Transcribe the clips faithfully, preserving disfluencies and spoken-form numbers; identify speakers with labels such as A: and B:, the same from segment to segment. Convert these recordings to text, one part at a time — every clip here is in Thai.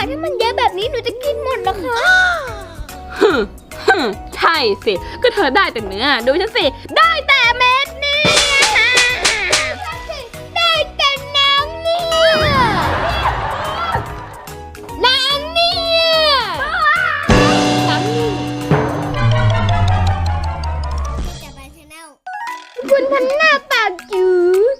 A: ถ้ามันเยอะแบบนี้หนูจะกินหมดเหรอคะ
B: ฮึฮึใช่สิก็เธอได้แต่เนื้อดูฉันสิได้แต่เม็ดนี่
A: ได้แต่น้ำเนี่ยน้ำเนี่ยน้ำนี่คุณพันหน้าปากจืด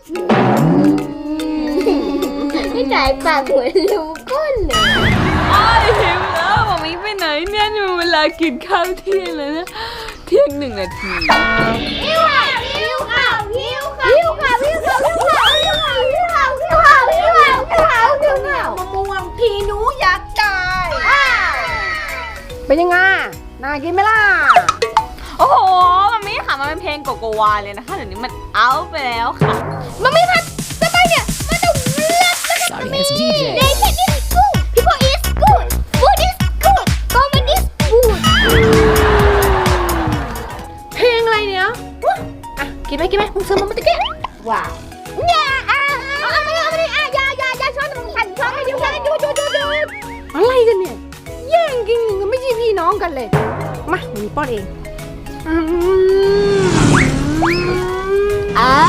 A: ไม่จ่ายปากหัวลูกก้นเลย
B: ไอ้หิวแล้วบอกมิไปไหนเนี่ยนี่มันเวลากินข้าวเที่ยงแล้วนะเที่ยงหนึ่งนาที
A: หิวค่ะหิวค่ะหิวค่ะหิวค่ะหิวค่ะหิวค่ะหิวค่ะหิวค่ะหิวค่ะหิวค่ะหิวค่ะหิวค่ะมะม่วงพี่หนูอยากได้
C: เป็นยังไงน่ากินไหมล่ะ
B: โอ้โหมันไม่ค่ะมันเป็นเพลงโกโกวาเลยนะคะเดี๋ยวนี้มันเอาไปแล้วค่ะ
A: มันไม่พัดสบายเนี่ยมันต้องเลือกแล้วก็มี Nation is good people is good food is good comedy is good
C: เพลงอะไรเนี่ยอ่ะกินไหมกินไหมมึงซื้อมาเมื่อกี้ว้าว
A: อย่าอ่ะเอาเอามาเอามาดิอ่ะอย่าอย่าอย่าช้อนมึงสั่นช้อนไปดูกันดูดูดูดู
C: อะไรกันเนี่ยแย่งกินกันไม่ใช่พี่น้องกันเลยมาหนูป้อนเอง
A: อ้า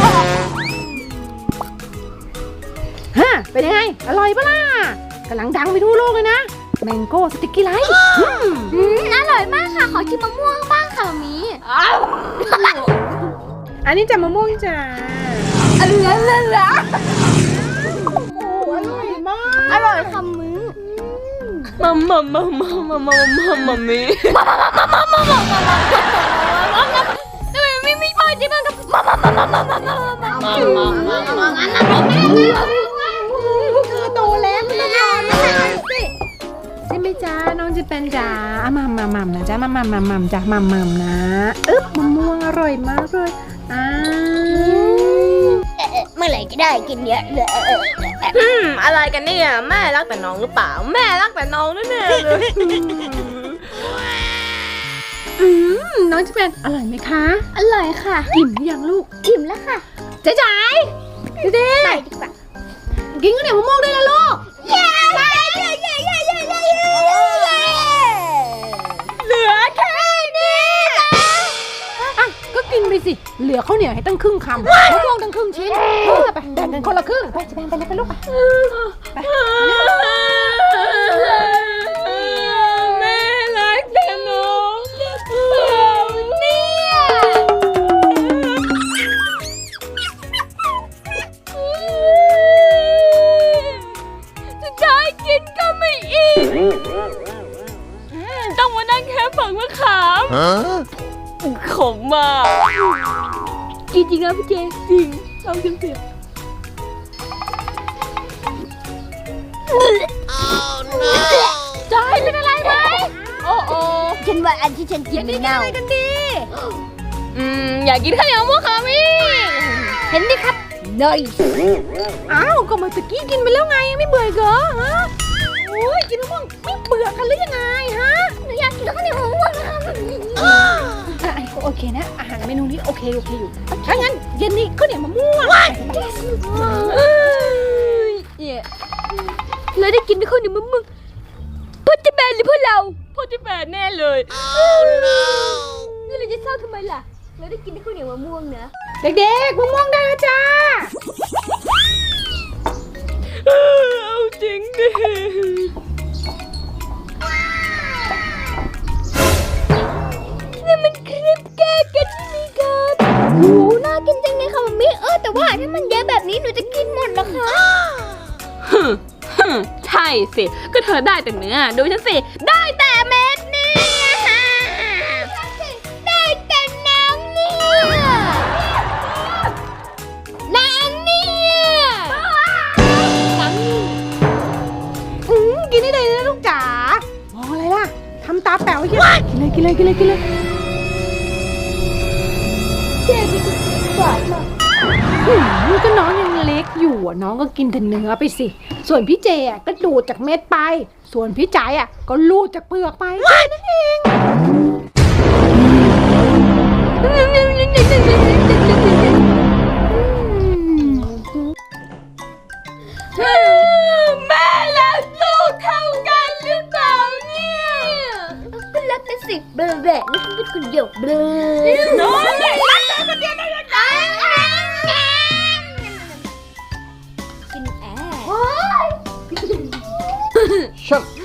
C: ฮะเป็นยังไงอร่อยปะล่ะกำลังดังไปทั่วโลกเลยนะแมงโก้สติ๊กกี้ไลท์
A: อืมอร่อยมากค่ะขอชิมมะม่วงบ้างค่ะมี
C: อันนี้จะมะม่วงจ้า
A: อร่อยเลยเหรอ
C: โอ้อร่อยมาก
A: อร่อยคำมื้อ
B: มัมมัมมัมมัมมัมมัมมัมมัมมี่
A: มัมมัมมัมมัมมัมมัมมัมมัมทำไมไม่ไม่พอจริงมั้งครับมัมมัมมัมมัมมัมมัมมัมมัมมัมมัมมัมอันนั้น
C: คือโตแล้วไม่ต้องรอนะสิใช่ไหมจ้าน้องจะเป็นจ้าอ่ะมัมมัมมัมนะจ้ามัมมัมมัมมัมจ้ามัมมัมนะอึ๊บมะม่วงอร่อยมากเลยอ่า
A: เมื่อไหร่จะได้กินเยอะเลย
B: อืมอะไรกันเนี่ยแม่รักแต่น้องหรือเปล่าแม่รักแต่น้องแน่ๆเลย
C: อืมน้องจะเป็นอร่อยไหมคะ
A: อร่อยค่ะ
C: อิ่มหรือยังลูก
A: อิ่มแล้วค่ะ
C: เจ๊จ๋ายเด็ก
A: ดีกว่า
C: กินข้าวเหนียวมะม่วงได้แล้วลูก
A: เย้เย้เย้เย้เย้เย้เย้เย้
B: เหลือแค่นี้
C: อ่ะก็กินไปสิเหลือข้าวเหนียวให้ตั้งครึ่งคำมะม่วงตั้งครึ่งชิ้นไปแบ่งกันคนละครึ่งไปจะแบ่งไปเลยไปลูกไป
B: แม่รักแต่น้อง
A: เนี่ย
B: สุดท้ายกินก็ไม่อิ่มต้องมานั่งแค่ฝังมะขามขมมาก
A: จริงๆนะพี่เจจริงลองชิมสิจอยเป็นอะไรไหมโอ้โอ้ฉันว่าอันที่ฉันกินไม่เน่า
C: กันดี
B: อืมอยากกินข้าวเหนียวมะม่วงค่ะมี่
A: เห็นดิครับเลย
C: อ้าวก็เมื่อกี้กินไปแล้วไงไม่เบื่อเหรอฮะโอ้ยกินมะม่วงไม่เบื่อกันหรือยังไงฮะ
A: หนูอยากกินข้าวเหนียวมะม่วงนะคะ
C: โอเคนะอาหารเมนูนี้โอเคโอเคอยู่ถ้างั้นเย็นนี้ข้าวเหนียวมะม่วง
A: เราได้กินข้าวเหนียวมะม่วงพ่อจะแบนหรือพ่อเรา
B: พ่อจะแบนแน่เลย
A: นี่เราจะเศร้าทำไมล่ะเราได้กินข้าวเหนียวมะม่วงนะ
C: เด็กๆมะม่วงได้แล้วจ้า
B: เอาจริงดิ
A: นี่มันคลิปแก้กันที่มีกันโอ้น่ากินจังเลยค่ะมัมมี่เออแต่ว่าถ้ามันเยอะแบบนี้หนูจะกินหมดเหรอคะ
B: ฮึฮึใช่สิก็เธอได้แต่เนื้อดูฉันสิได้แต่เม็ดนี่
A: ได้แต่น้ำเนี่ยน้ำเนี่ยน้ำนี่
C: อืมกินได้เลยนะลูกจ๋ามองอะไรล่ะทำตาแป๋วกินเลยกินเลยกินเลยกินเลย
A: เจ๊กินหวานมาก
C: นี่ก็น้องยังเล็กอยู่อ่ะน้องก็กินแต่เนื้อไปสิส่วนพี่เจอ่ะก็ดูดจากเม็ดไปส่วนพี่จ๋ายอ่ะก็ลูดจากเปลือกไปนั่นเอง
B: แม่และลูกเท่า
A: สิเบลเบลนี่ฉันเป็นคนเดียวเบลน้อยรักเธอคนเดียวได้ยังไงกินแอร์
D: Shut